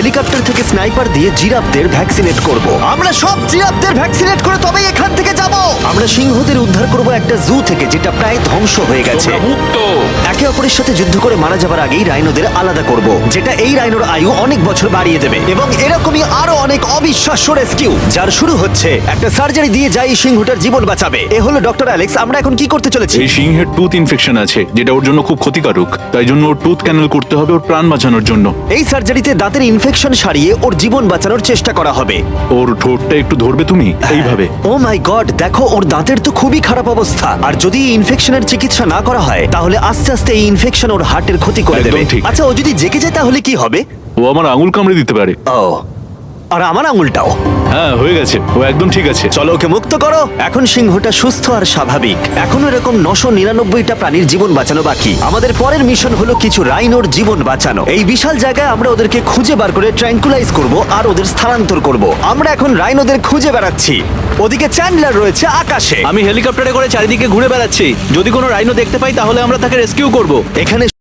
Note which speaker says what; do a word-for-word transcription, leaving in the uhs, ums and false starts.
Speaker 1: Helicopter থেকে sniper দিয়ে জিরাফদের vaccinate করব। আমরা সব জিরাফদের ভ্যাকসিনেট করে তবেই এখান থেকে যাব। আমরা সিংহদের উদ্ধার করব একটা জু থেকে যেটা প্রায় ধ্বংস হয়ে গেছে।
Speaker 2: তোমরা মুক্ত।
Speaker 1: একে অপরের সাথে যুদ্ধ করে মারা যাবার আগেই রাইনোদের আলাদা করব, যেটা এই রাইনোর আয়ু অনেক বছর বাড়িয়ে দেবে। এবং এরকমই আরো অনেক অবিশ্বাস্য রেস্কিউ, যার শুরু হচ্ছে একটা সার্জারি দিয়ে যাই সিংহটার জীবন বাঁচাবে। এ হলো ডক্টর অ্যালেক্স। আমরা এখন কি করতে চলেছি?
Speaker 2: এই সিংহের টুথ ইনফেকশন আছে, যেটা ওর জন্য খুব ক্ষতিকারক। তাই জন্য ওর টুথ ক্যানেল করতে হবে ওর প্রাণ বাঁচানোর জন্য।
Speaker 1: এই সার্জারিতে দাঁতের ইনফেকশন সারিয়ে ওর জীবন বাঁচানোর চেষ্টা করা হবে।
Speaker 2: ওর ঠোঁটটা একটু ধরবে তুমি, এইভাবে।
Speaker 1: ও মাই গড, দেখো ওর দাঁতের তো খুবই খারাপ অবস্থা। আর যদি এই ইনফেকশনের চিকিৎসা না করা হয় তাহলে আস্তে আস্তে এই ইনফেকশন ওর হার্টের ক্ষতি করে
Speaker 2: একদম
Speaker 1: দেবে।
Speaker 2: ঠিক।
Speaker 1: আচ্ছা, ও যদি জেগে যায় তাহলে কি হবে?
Speaker 2: ও আমার আঙুল কামড়ে দিতে পারে।
Speaker 1: ও, আর আমার আঙুলটাও।
Speaker 2: হ্যাঁ, হয়ে গেছে, ও একদম ঠিক আছে।
Speaker 1: চলো ওকে মুক্ত করো। এখন সিংহটা সুস্থ আর স্বাভাবিক। এখনো এরকম নশো নিরানব্বইটা প্রাণীর জীবন বাঁচানো বাকি। আমাদের পরের মিশন হলো কিছু রাইনোর জীবন বাঁচানো। এই বিশাল জায়গায় আমরা ওদেরকে খুঁজে বার করে ট্র্যাঙ্কুলাইজ করব আর ওদের স্থানান্তর করব। আমরা এখন রাইনোদের খুঁজে বেড়াচ্ছি। ওদিকে চ্যান্ডলার রয়েছে আকাশে।
Speaker 3: আমি হেলিকপ্টারে করে চারিদিকে ঘুরে বেড়াচ্ছি। যদি কোনো রাইনো দেখতে পাই তাহলে আমরা তাকে রেস্কিউ করব।
Speaker 1: এখানে